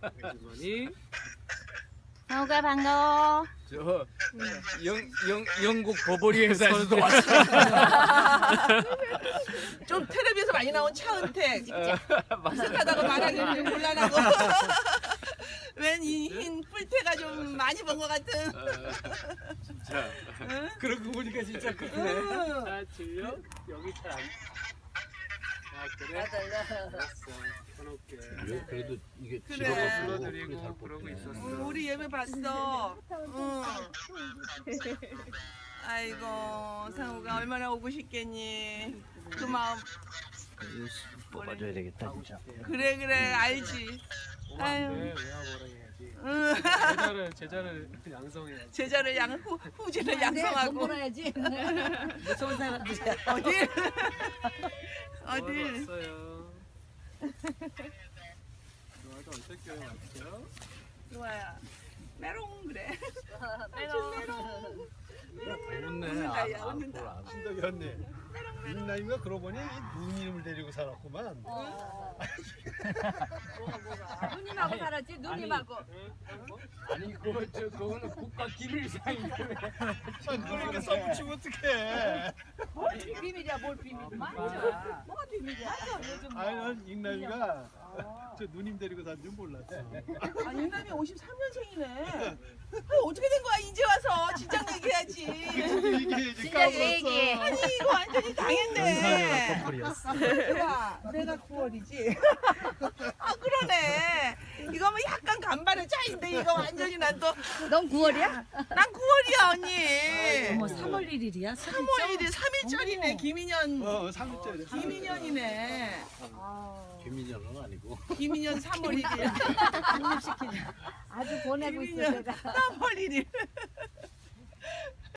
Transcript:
아주머니 상우가 반가워. 저 영국 버버리에서 왔어. 좀 텔레비에서 많이 나온 차은택 비슷하다고 말하기 좀 곤란하고 웬 이 흰 뿔테가 좀 많이 본 것 같은. 진짜. 그러고 보니까 진짜 크네. 자, 질려? 여기 잘 안. 자, 그래. 알았어. 끊을게. 그래도 이게 그래. 지나가서 불러드리고 그러고 있었어. 우리 예배 봤어. 응. 아이고 상우가 얼마나 오고 싶겠니. 그 마음. 뽑아줘야 되겠다 진짜. 그래 알지. 아유. 왜 와보라 해야지. 응. 제자를 양성해야지. 제자를 후제를 양성하고. 몰아야지. 무서운 사람들이야. 어딜? 어딜? 왔어요. 좋아도 어떻게 왔죠? 좋아야. 메롱 그래. 메롱. 웃네. 웃는다, 야, 웃는다. 신덕이 언니 민나이가 그러고 보니 누님을 데리고 살았구만. 누님하고 살았지. 누님하고. 아니 그거는 국가 기밀상인데. 그러니까 써붙이면 어떡해. 뭘 비밀이야. 뭘 비밀. 맞아. 뭐가 비밀이야? 맞아. 요즘 아니 난 익남이가 저 누님 데리고 산 줄 몰랐어. 아, 윤남이 53년생이네. 어떻게 된 거야 이제 와서 진작 얘기해야지. 얘기해야지. 진작 얘기해. 아니 이거 완전히 당했네. 커플이었어. 내가 9월이지. 아 그러네. 이거 뭐 약간 간발의 차인데 이거 완전히 난 또 난 넌 9월이야? 9월이야 언니. 어머 3월 1일이야? 3월 1일 3일짜리네 김인현. 3일째래. 김인현이네. 김민정은 아니고. 김인현 3월 1일. 아주 보내고 있어 김인현 내가. 3월 1일.